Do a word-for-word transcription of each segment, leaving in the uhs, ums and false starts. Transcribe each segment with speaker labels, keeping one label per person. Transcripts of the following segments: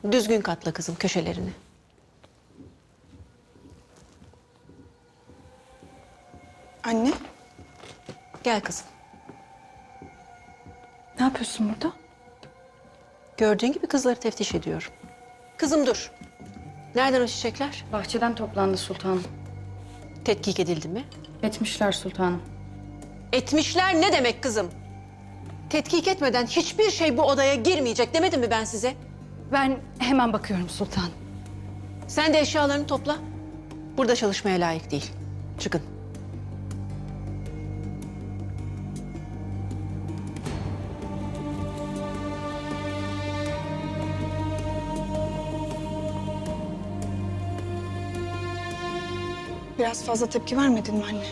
Speaker 1: Düzgün katla kızım köşelerini.
Speaker 2: Anne,
Speaker 1: Gel kızım.
Speaker 2: ne yapıyorsun burada?
Speaker 1: Gördüğün gibi kızları teftiş ediyorum. Kızım dur. Nereden o çiçekler?
Speaker 3: Bahçeden toplandı sultanım.
Speaker 1: Tetkik edildi mi?
Speaker 3: Etmişler sultanım.
Speaker 1: Etmişler ne demek kızım? Tetkik etmeden hiçbir şey bu odaya girmeyecek demedim mi ben size?
Speaker 3: Ben hemen bakıyorum sultanım.
Speaker 1: Sen de eşyalarını topla. Burada çalışmaya layık değil. Çıkın.
Speaker 2: Biraz fazla tepki vermedin mi anne?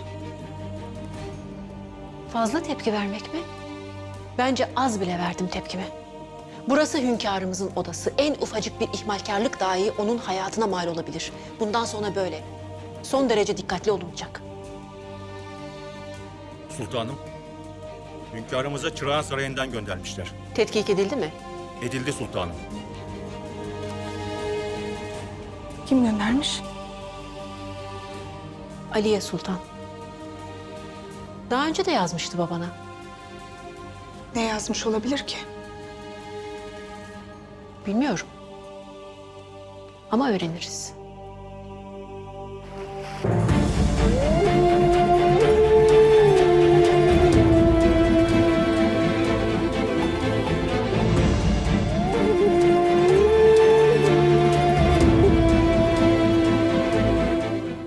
Speaker 1: Fazla tepki vermek mi? Bence az bile verdim tepkimi. Burası hünkârımızın odası. En ufacık bir ihmalkarlık dahi onun hayatına mal olabilir. Bundan sonra böyle. Son derece dikkatli olunacak.
Speaker 4: Sultanım, hünkârımıza Çırağan Sarayı'ndan göndermişler.
Speaker 1: Tetkik edildi mi?
Speaker 4: Edildi sultanım.
Speaker 2: Kim göndermiş?
Speaker 1: Aliye Sultan. Daha önce de yazmıştı babana.
Speaker 2: Ne yazmış olabilir ki?
Speaker 1: Bilmiyorum. Ama öğreniriz.